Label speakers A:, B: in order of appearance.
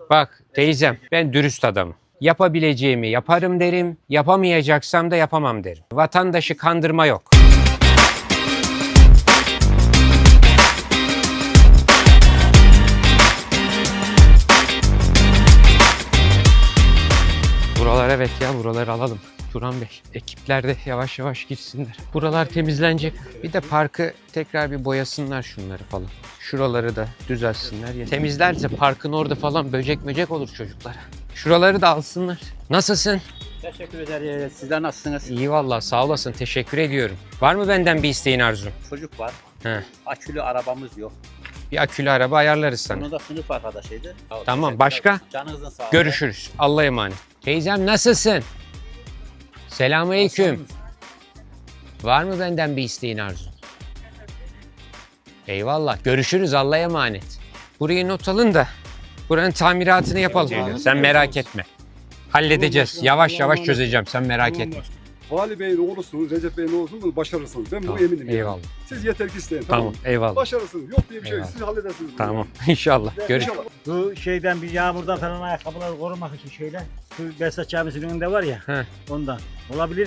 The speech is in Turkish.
A: Bak teyzem, ben dürüst adamım. Yapabileceğimi yaparım derim, yapamayacaksam da yapamam derim. Vatandaşı kandırma yok. Buralar evet ya, buraları alalım. Turan Bey, ekipler de yavaş yavaş girsinler. Buralar temizlenecek. Bir de parkı tekrar bir boyasınlar şunları falan. Şuraları da düzelsinler. Temizlerse parkın orada falan böcek olur çocuklara. Şuraları da alsınlar. Nasılsın?
B: Teşekkür ederiz. Sizler nasılsınız?
A: İyi vallahi, sağ olasın. Teşekkür ediyorum. Var mı benden bir isteğin, arzun?
B: Çocuk var.
A: He.
B: Akülü arabamız yok.
A: Bir akülü araba ayarlarız sana.
B: Bunu da sınıf arkadaşıydı.
A: Tamam, başka?
B: Canınızın sağlığı.
A: Görüşürüz. Allah'a emanet. Teyzem nasılsın? Selamünaleyküm. Var mı benden bir isteğin, arzu? Eyvallah. Görüşürüz. Allah'a emanet. Burayı not alın da buranın tamiratını yapalım. Sen merak etme. Halledeceğiz. Yavaş yavaş çözeceğim. Sen merak etme.
C: Vali Bey'in oğlusunuz, Recep Bey'in oğlusunuz, bunu başarırsınız. Ben
A: Tamam,
C: buna eminim.
A: eyvallah.
C: Yani. Siz yeter ki isteyin.
A: Tamam. Eyvallah.
C: Başarırsınız. Yok diye bir şey yok.
A: Eyvallah.
C: Siz halledersiniz. bunu.
A: Tamam. İnşallah. Görüşürüz.
C: İnşallah.
D: Bu şeyden bir yağmurdan falan ayakkabıları korumak için şeyler. Şu Behzat Camisi'nin önünde var ya.
A: He.
D: Ondan. Olabilir.